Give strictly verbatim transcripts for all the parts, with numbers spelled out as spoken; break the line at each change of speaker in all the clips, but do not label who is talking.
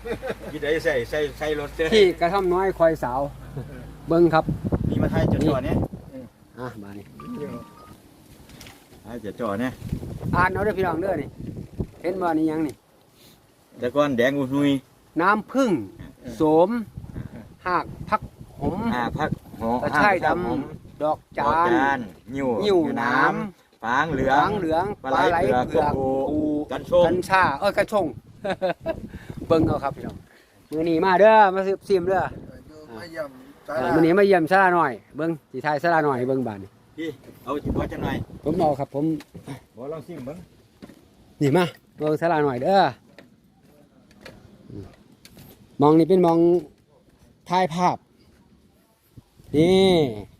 ยี่ได้ใส่ใส่ใส่รถเจ้
ที่กระท่อมน้อยคอยสาวเบิ้งครับ
มีมาไทยจะจ่อเนี่ย
อ่ะมานี่
ไทยจะจ่อเนี่ย
อ่านเอาเด้อพี่น้องเด้อนี่เห็นว่านี่ยังนี่
แต่ก่อนแดงอุนุย
น้ำผึ้งโสมหากพักหอม
อ่าพักหอก
ระชายดำดอกจาน
นิ่ว
นิ่วน้
ฟางเหลื
ำ
อ
หาง งเหลืองปลาไหลเผือกปู
กันชง
กัญชาเอ้ยกัญชง เบิ้งเอาครับพี่น้องมื้อนี้มาเด้อมาซื้อซิมเด้อ
มาเยี่ยมสา
เออ
รา
มื้อนี้มาเยี่ยมศาลาหน่อยเบิ้งสิทายศาลาหน่อยเบิ้งบาดนี่
พี่เอาจิบว่าจังหน่อย
ผมเอาครับผม
บ่ลองซิมเบิ่ง
นี่มาเบิ้งศาลาหน่อยเด้ออืมมองนี่เป็นมองถ่ายภาพนี่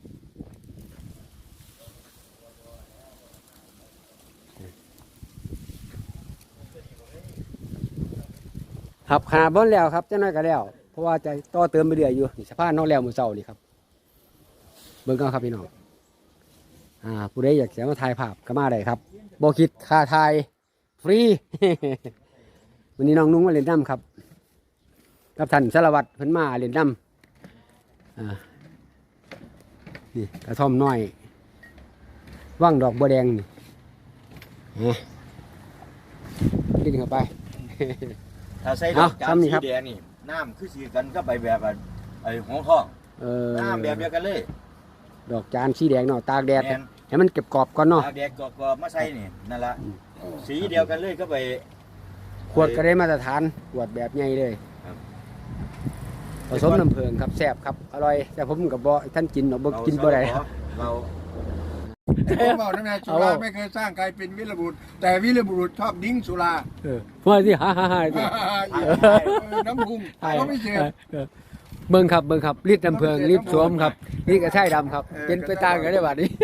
ครับขาบนแล้วครับเจ้าน้อยก็แล้วเพราะว่าจะต่อเติมไปเรื่อยอยู่นี่สะพานนอกแล้วมือเศร้านี่ครับเบิ่งกันครับพี่น้องอ่าผู้ใดอยากจะมาถ่ายภาพก็มาได้ครับบ่คิดค่าถ่ายฟรี วันนี้น้องนุ้งมาเล่นน้ำครับกับท่านสารวัตรเพิ่นมาเล่นน้ำอ่านี่กระท่อมน้อยว่างดอกบัวแดงนี่ฮะกินเข้าไป
ถ้าใส่ด
เอา
อกจา
ซ้ำ
น
นี่
สี
ครับ
แดงนี่น้ำคือสีกันก็ไปแบบว่าไอ้หงทอง
เออ
น้ำแบบเดียวกันเลย
ดอกจานสีแดงเนาะตากแดด
แม่น
ให้มันเก็บกรอบก่อนเนาะ
ตากแดดกรอบๆมาใส่นี่นั่นละสีเดียวกันเลยก็ไป
ขวดก็ได้มาตรฐานขวดแบบใหญ่เลย
ครับ
ผสมน้ำผึ้งครับแซ่บครับอร่อยแต่ผมกับบ่ท่านกินเนาะบ่กินบ่ได้
เรา
ผมบอกนะแม่สุราไม่เคยสร้างใครเป็นวิรบุรุษแต่วิรบุรุษชอบดิ้งสุรา
เออว่าสิฮ่าฮ่าฮ่าสิ
น้ำพุงก็ไม่เจ็บ
เออเบิ่งครับเบิ่งครับรีดน้ำผึ้งรีดสวมครับนี่ก็ใช่ดำครับ เป็นไปตามกันได้บัดนี้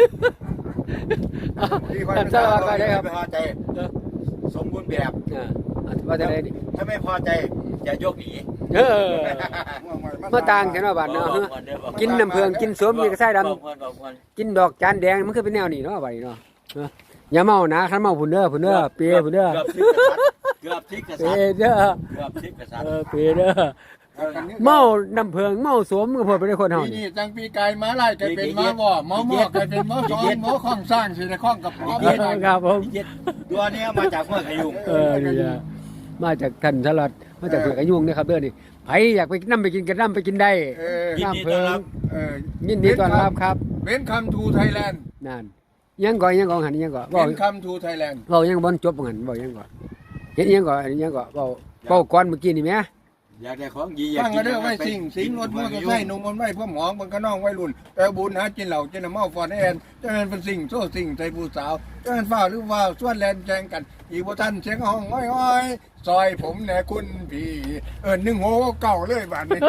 ท่านสารวัตรไปได้ครับ
ไม่พอใจสมบูรณ์แบบ
อ่าว่าจะได้ดิ
ถ้าไม่พอใจจะยกหนี
เออมาต่างกันว่าบัดเนาะกินน้ำผึ้งกินสวมนี่ก็ใช่ดำ กินดอกจานแดงมันคือเป็นแนวนี้เนาะไปเนาะเอออย่าเมานะคันเมาผุนเด้อผุนเด้อเปียผุนเด้อ
เกือบทิกกระ
เปี
สั
ย
บ
เด้อ
เกือบทิกกระสับ
เออเปียเด้อเมาน้ำเพิงเมาสวมก็พอไปได้คนเฮา
ปี
นี่
นี้จังปีกายม้าไล่กลายเป็นม้าว่อม้าหม้อกลายเป็นม้าซ้อนม้าข้องสร้างสิในข้องกับม้า
เออครับผม
ตัวนี้มาจากเมืองขยุง
เออนี่นะมาจากท่านสลัดมาจากเผือกอายุงนะครับเด้อนี่ไผอยากไปน้ำไปกินกันน้ำไปกินได้
เออ
ยินดีต้อนรับ
เออ
ยินดีต้อนรับครับ
เว้นคำทูไทยแลนด์
นั่นยังก่อนยังก่อนหันยังก่อนบอ
เว้
ก
นคำทูไทยแลนด์
บอกยังบ่จบหันบอกยังก่อนเห็นยังก่อนเห็นยังก่อนบอกบอกก่อนเมื่อกี้นี่แม่
อยากได้ของดีอยาก
ตั้ง
กิ
ก็
น
เด้อไว้สิ่งสิงรถมอเตอร์ไซค์นุ่มมันไม่พ่อหมองมันก็น้องไว้รุ่นแต่บุญหากินเหล่ากินน้ำเมาฟอนแอนจะเป็นเป็นสิ่งโซ่สิ่งใจผู้สาวจะเป็นฝ้าหรือว่าส่วนแลนแจงกันอีกบ่ทันเสียงห้องอ้อยๆซอยผมแน่คุณพี่เออหนึ่งโหเก่าเลยบาดนี้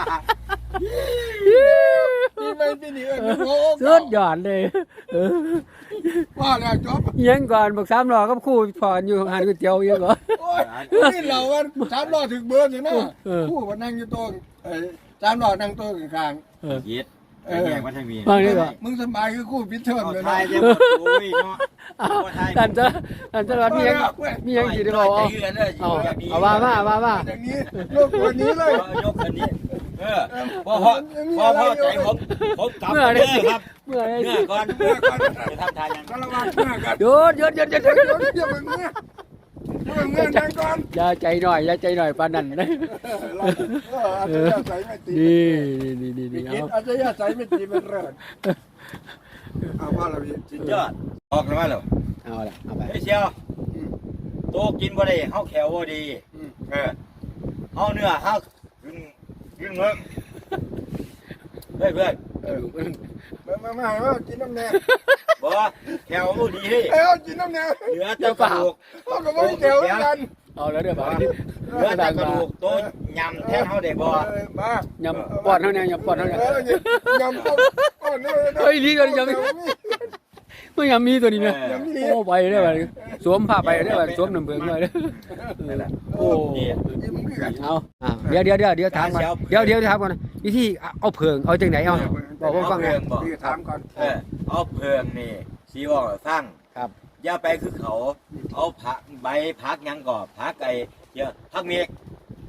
พี่ไม่พี่นี่เออหนึ่งโห
สุดยอดเลยเออ
ว่าแล้วจบ
ยังก่อนบอกสามล้อกับคู่พอนอยู่หานก๋วยเตี๋ยวยังก่อน
โอ้ยนี่เราว่าสามล้อถึงเบอร์สินะคู่ว่านั่งอยู่โต๊ะเออสามล้อนั่งโต๊ะข้าง
เย็ดเออแยกมาทางนี้
ฟังดีกว่า
ๆมึงสบายคือคู่พิเทอมเลย
ไท
นะ
ยจะหมดโอ้ยเนาะ
ท่านจะท่านจะรับมียังมียังกี่ได้บอกเอาเอาเอาว่ามาว่ามา
อย่างนี้โลกตัวนี้เลย
ยกอันนี้เออพอพอพอพอใจผมผมกลับเด้อครับ
เมื่อไร
เมื่อก่อนเมื่อก่อนจะทำทานยัง
สารวัตรเมื่อกัน
หยุดหยุดหยุดหยุดหยุด
เดี๋ยวอย่าเพิ่งเมื่ออย่าเพิ่งเมื่อนั่งก่อน
อย่าใจหน่อยอย่าใจหน่อยปานนั้นนะ
อาจจะยาใส่ไม่ตี
นี่นี่นี่นี่
คิด
เอา
อาจจะยาใส่ไม่ตีเป็นเริดเอาว่าเราพี่
สุดยอดออกแล้วมาแล้ว
เอาละเอาไป
เฮ้ยเชียวโตกินบ่ได้เฮาแขวบ่ดีเออเฮาเนื้อเฮากินกินเมืองเฮ้ยเพื่อน
มามามามากินน้ำแน่
บ่แขวบ่ดีเฮ้ย
เอ้ากินน้ำแน่
เหลือแต่กระดูก
เขาก็ไม่เกี่ยวกัน
เอาแล้วเดี๋ยวไป
เหลือแต่กระดูกโตยำแทนเฮาได้บ่
มาย
ำปอดเท่านี้ยำปอดเท่านี้
ยำต้มก้อนนี่
เฮ้ยลีกันยำไม่ยำมีตัวนี้ไหมโอ้ไปได้ไหมสวมผ้าไปได้ไหมสวมน้ำเบืองเลยโอ้เอาเดี๋ยวเดี๋ยวเดี๋ยวเดี๋ยวถามก่อนเดี๋ยวเดี๋ยวถามก่อนวิธีเอาเพิงเอาจังไหนเอาบอกผมฟังไง
พี่ถามก่อน
เออเอาเพิงนี่สิว่าฟัง
ครับ
อย่าไปคือเขาเอาผักใบผักหยังก่อผักไก่เดี๋ยวผักเมก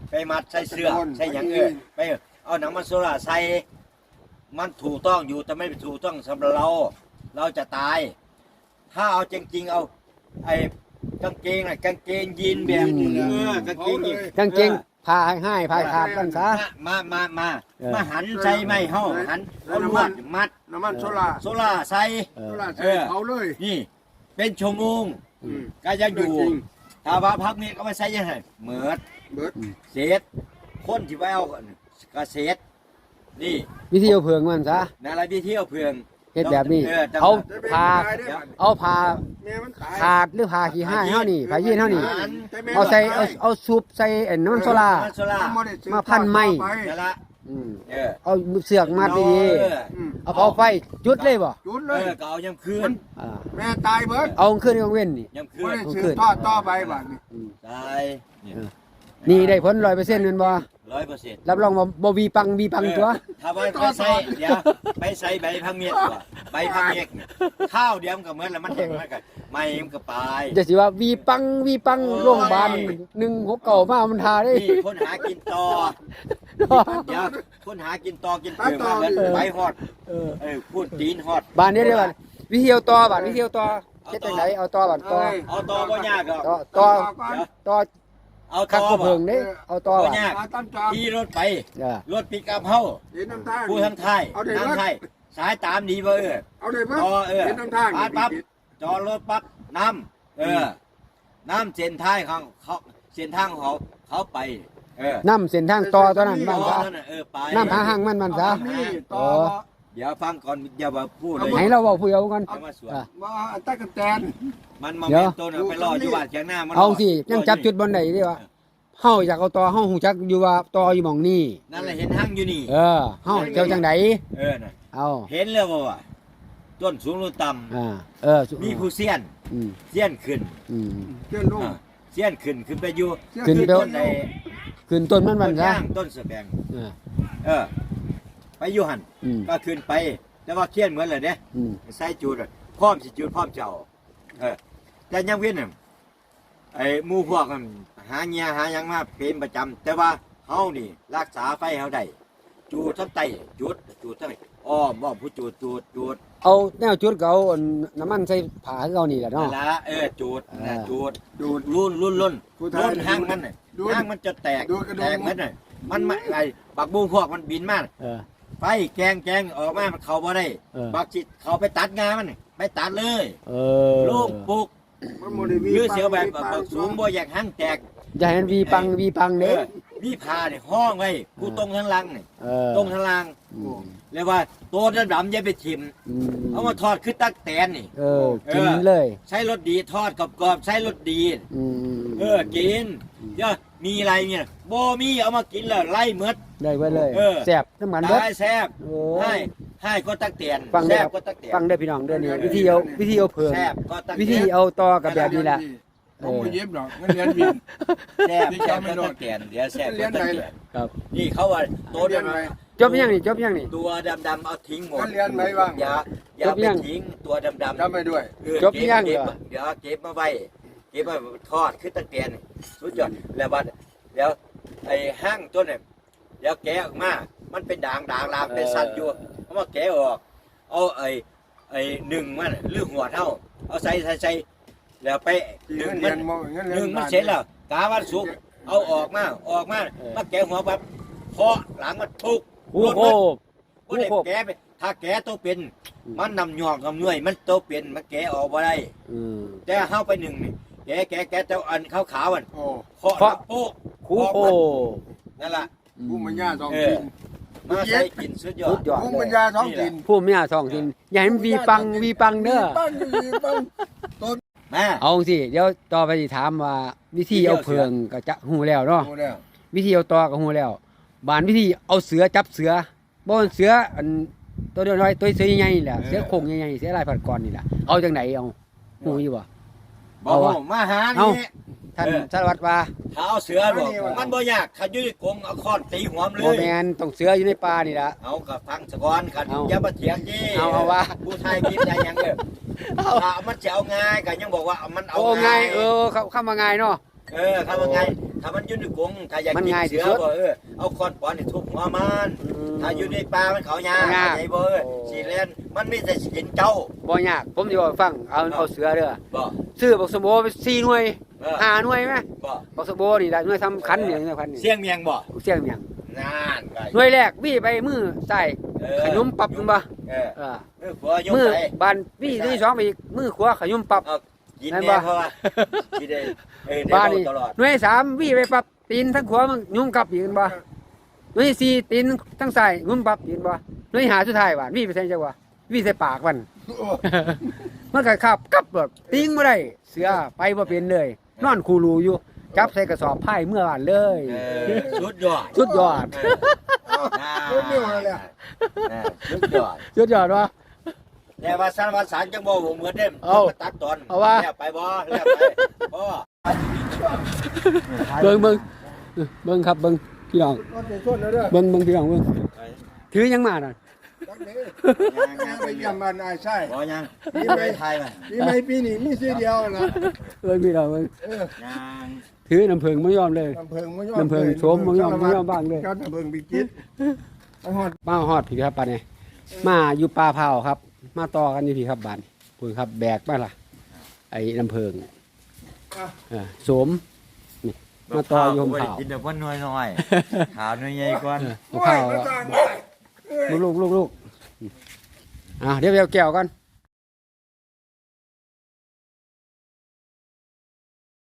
ไปมัดใส่เสื้อใส่หยังเออไปเอาหนังมันโซล่าใส่มันถูกต้องอยู่แต่ไม่ถูกต้องสำหรับเรา เราจะตาย ถ้าเอาจริงๆเอาไอ้กางเกงน่ะกางเกงยีนแบบเออกางเกงยีน
กางเกงพาให้พาขาดมันซะ
มามามา
เออ
มาหันใส่ไม่เฮาหันเอาลวดมัด
น้ำมันโซล่า
โซล่าใส่
เอ
โซ
อ
ล่าใส่เผาเลย
นี่ เป็นชั่วโมง
อืม
ก็ยังอยู่
จริง
ถ้าว่าพักนี้ก็ไม่ใส่ยังไงเหมือด
เบิด
เศษคนที่ไปเอากระเศษนี่
วิธีเอาเพิงมันซะ
นั่นแหละที่เที่ยวเพื่อง
เฮ็ดแบบนี้
ออจำ
เอา
จะเป็น
พา
ตายได้บัด
เอาพา
แม่มันตาย
ขาดหรือพาขี้ห้าเฮานี่พายีนเฮานี่
แต่แม่
เอาใส่เอาเอาซุปใส่ไอ้น้ำมันโซล่า
มันโซล่า
บ่ได้ซื้อ
มาพันไม้
ต่อไป
นั่นละ
อืม
เออ
เอาเสือกมัดดี
เออ
อืม
ๆเอาเอาไฟจุดเลยบ่
จุด
เอ
เลย
อก็เอายำคืน
อ่า
แม่ตายเบิด
เอาขึ้นกลางเว้นนี่
ยำคื
บ่
น
ได้ซื้อต่อต่อไปบัดนี้
อืม
ตายเนี่ย
นี่ได้ผลร้อยเปอร์เซ็นต์แม่นบ่
ร้อยเปอร์เซ็นต์
รับรองว่าบ่วีปังวีปังตัว
ถ้าไปไปใส่เดี๋ยวไปใส่ใบพังเมียกว่าใบพังเมียกเนี่ยข้าวเดียวมันก็เหมือนแล้วมันแห้งมันก็ไม่มันก็ไป
จะสิว่าวีปังวีปังโรงพยาบาลหนึ่งหกเก้ามามันทาได้
นี่คนหากินต่อเดี๋ยวคนหากินต่อกินเปลือกมาแล้วใบฮอด
เออ
เออพูดตีนฮอด
บ้านนี้เด้อบัดวิธีเอาต่อบัดวิธีเอาต่อเฮ็ดจังไดเอาต่อบัดต่อ
เอาต่อบ่ยากหรอก
ต่อต่อ
ก่อน
เดี๋ยว
ต่อ
เอา
คั
ต่
ก
อ
ก็
บ่
เพิ่งเด้เอาต่อบัด
บ่ยาก
มาตั้งจอม
ขี่รถไป
เออ
รถปิกอัพเฮา
เห็นน้ำทาง
ผู้ทางไทย
เอาได้
ทาง
เบิด
ไทยสายตามดีบ่เออ
เอาได้เบิด
ต่อเออ
เห็นน้ำทาง
ปั๊บปั๊บจอดรถปั๊บน้ำเออน้ำเส้นท้ายของเขาเส้นทางของเขาเขาไป เออ
น้ำเส้นทางต่อตัวนั้นบ้าน
ต่อ
ซะ
นั่นน่ะเออไป
น้ำหาหางมันมันซะ
เอานี่ต่อ
อ๋อ
บ่
เดี๋ยวฟังก่อนอย่ามาพูดเลย
ให้เราเว้าผู้เดียวก่อน
เอามาสวน
อ่ะ
บ่อันตะกะแตน
มันมา
เดี๋ยว
เป็นต้นเอาไปรออยู่บ้านเชียงหน้ามัน
เอาสิยังจับจุดบ่ได้เด้ว่าเฮาอยากเอาต่อเฮาฮู้จักอยู่ว่าต่ออยู่หม่องนี้
นั่นแหละเห็นห้างอยู่นี่
เออเฮาเจ้าจังได
เออน่ะ
เอา
เห็นแล้วบ่ว่าต้นสูงหรือต่
อ่าเออ
ำมีผู้เสี้ยน
อืม
เสี้ยนขึ้น
อืม
เจ้าลูก
อ่าเสี้ยนขึ้นขึ้นไปอยู่
ขึ้นไป
ต้นใน
ขึ้นต้นมันมัน
ต้น
ซะ
ย่างต้นเสแบง
เออ
เออ ไปอยู่หัน
อืม
ก็ขึ้นไป แต่ว่าเคียนเหมือนเลยเนี่ย
อืม
ใส่จูดอะพร้อมสิจูดพร้อมเจ้าเออแต่ยังเว้นน่ะไอ้หมู่พวกมันหาเงียหาหยังมาเป็นประจำแต่ว่าเฮานี่รักษาไฟเฮาได้จูดทั้งไตจูดจูดทั้งอ้อมบ่ผู้จูดจูดจูด
เอาแนวจุดก็เอาอันน้ำมันใส่ผ้าให้เรานี่แหละ
นั่
เนาะ
นละเออจูดนะ
อ่า
จูด
ดูด
รุ่นรุ่นรุ่น
ผู้ไทย
รุ่นห้างมันน่ะ
ดูด
ห้างมันจะแตก
ดูดกระดุม
แตกเหมือนน่ะมันมาไอ้บักบูพวกมันบินมา
เออ
ไฟแกงแกงออกมามันเข้าบ่ได้
เออ
บักจิตเขาไปตัดงามันน่ะไปตัดเลย
เออ
ลูกปลูก
มันบ่ได้มี
หรือเสียวแบบ
มีปลา
บักสูงบ่อยากห้างแตก
อย่าให้มันวีปังวีปัง
เอ
เด้
อมีผ้าเนี่ยห้องไว้ผู้ตรงทางล่างนี่
เออ
ตรงทางล่าง
อืม
เรียกว่าตัวดำๆอย่าไปทิ่ม
อืม
เอามาทอดคือตักแตนนี่
เออกินเลย
ใช้รสดีทอดกรอบๆใช้รสดี
อืม
เออกินเดี๋ยวมีอะไรเนี่ยบ่มีเอามากินแล้วไล่หมด
ได้ไว้เลย
เออ
แซ่บน้ำมันเบิด
ได้แซ่บ
โอ้
ให้ให้ก็ตักเตียน
ฟังได้
แซ่บก็ตักเตียน
ฟังได้พี่น้องเด้อนี่วิธีเอาวิธีเอาเพิง
แซ่บก็ตัก
วิ
เตี
ธี
ยน
เอาต่อกับแบบนี้แหละ
ผมบ่เย็บหรอกเงินเรียนวิน
แซ่บ
นี่
แซ่บ
จำไม่
ก็
โด
ตั
ด
กเตียนเดี๋ยวแซ่บ
เรี
ก็
ยน
ตัก
ไหน
เตียน
ครับ
นี่เขาว่าตัว
เรียนไหน
จบยังนี่จบยังนี่
ตัวดำๆเอาทิ้งหมด
เรียนไหนบ้าง
อย่าอย่า
จบ
ไป
ยัง
ทิ้งตัวดำๆ
จำไปด้วย
เออ
จบยัง
เก็บ
เหรอ
เดี๋ยวเก็บมาไว้เก็บมาทอดคือตักเตียนสุดยอดแล้วบัดเดี๋ยวไอ้ห้างตัวเนี่ยเดี๋ยวแกะออกมามันเป็นด่างด่างลามเป็นสัตว์อยู่เอามาแกะออกเอาไอ้ไอ้หนึ่งมันหรือหัวเท่าเอาใส่ใส่ใส่แล้วไปห
เงิ
นึ่ง
น
มั
เรีย
น
นบ่เงิน
ห
เรีย
นึ่
น
งมันเสร็จแล้วกาวันสุกร์เอาออกมาออกมามาแกะหัวปั๊บเคาะหลังมันทุก
โอ้โห
ก็ได้แกะไปถ้าแกะตัวเป็นมันนำหยอกนำเนื่อยมันตัวเป็นมันแกะออกมาได้
อืม
แต่เข้าไปหนึ่งนี่แกะแกะแกะเจ้าอันขาวขาวๆมัน
โอ้
เคาะ
เคาะ
ปุ๊บ
คูโค
นั่นแหละ
ผู้ปัญญาสอง
เอ
กิ
อน มาใส่กินสุดยอ
สุ
ด
ดยอด
ผู้
เล
ปั
ย
ญญาท้องถิ่น
ผู้มีอาสองทินอย่าให้มันวีปังวีปังเด้อ
ปังวีปังต้น
แม่
เอาสิเดี๋ยวต่อไปสิถามว่าวิธีเอาเพิงก็จะหูแล้วเนาะ
โอ้แล้ว
วิธีเอาต่อก็หูแล้วบานวิธีเอาเสือจับเสือบ่มันเสืออันตัวน้อยๆตัวเสือใหญ่ๆนี่แหละเสือโคร่งใหญ่ๆเสือลายผัดกรนี่แหละเอาจังไหนเอาหูอยู่บ่
บ
เอา
อก
วะ
มาหา
เอา
นี่
ท่าน
เออ
สารวัตรว่า
ถ้าเอาเสือบอกมันบ่ยากถ้าอยู่ในกรงเอาค้อนตีหัวมันเล
บ่
ย
แม่นต้องเสืออยู่ในป่านี่ล่ะ
เอากับฟังสะก้อนกัน
เอา
อย่ามาเถียงยี่
เอาเอาวะ
ผู้ไทยคิดได้ยังเด้อถ้ามันจะเอาง่ายก็ยังบอกว่ามันเอา
โอ้ง่ายเออเข้าเข้ามาง่ายเนาะ
เออถ้าว่าไงถ้ามันอยู่ในกรงถ้าอยากกินเสือบ่เออเอาคอนปอนนี่ทุบหัวมันถ้าอยู่ในป่ามันเขายากไอ้บ่เออสิแล่นมันมีแต่สิกินเจ้า
บ่ยากผมสิบอกให้ฟังเอาเอาเสือเด้อ
บ่
ซื้อบักสมโบไปสี่หน่วย
เออ
ห้าหน่วยไหม
บ่
บักสมโบนี่ได้หน่วยสำคัญเนี่ยหน่วยพันนี่
เสียงเมียงบ่
เสียงเมียง
นานไป
หน่วยแรกวี่ไปมือใส่ขยุมปรับมึงบ่
เออ
เออ
มือขวายก
มือ
ไป
บานวี่ที่สองไปอีกมือขวาขยุมปรับ
เอากิน
นั่น
แน่
บ่
เพราะว่ากินได้เออได้
บ้าน
เว้า
นี่
ตลอด
หน่วยสามวี่ไปปรับตีนทั้งขวามึงยุมกลับอีกบ่หน่วยสี่ตีนทั้งซ้ายยุมปรับอีกบ่หน่วยหาสุดท้ายว่าวี่ไปใส่จังหวะวี่ใส่ปากมัน มันก็ขับกลับแบบติ้งบ่ได้เสือไปบ่เป็นเลย นอนคูรูอยู่จับใส่กระสอบไผ่เมื่อวานเลย
เออสุดยอด
สุดยอด
เออน่า
รู้เรื่องอะไรเลย
เออสุดยอด
สุดยอดวะ
แต่ว่าสารวัตรสารจังบ่บ่เหมือนเดิม
เอา
ตัดตอน
เอาว่า
แล้วไปบ่แล้วไปบ่
เบิ่งเบิ่งเบิ่งครับเบิ่งพี่น้อง
ก็จะชวนแล้วเด้อ
เบิ่งเบิ่งพี่น้องเบิ่งถือยังมาน่ะ
จักเด้อไปเยี่ยมบ้านนายใช่
บ่ยังไปไทยมา
ปีใหม่ปีนี้มีซื้อเดียวนะ
เบิ่งพี่น้องเบิ่ง
เออ
ยัง
ถือน้ำผึ้งบ่ยอมเลย
ลำเพิงบ่ยอม
ลำเพิงโสมบ่ยอมบ่ยอมบ้างเลย
เจ้าลำเพิงบิกิตไอ้ฮอด
มาฮอดพี่ครับปานนี้มาอยู่ป่าเผาครับ มาต่อกันอยู่พี่ครับบ้านพุ่นครับแบกมาล่ะไอ้น้ำผึ้งเออโสมนี่มาต่ออยู่ผม
บ่ได้
เผา
กินแต่ว่าน้อยๆขาวน้อยใหญ่ก่อน
ผมเผาลูกลูกลูกลูกอ่ะเดี๋ยวเดี๋ยวแก้วกัน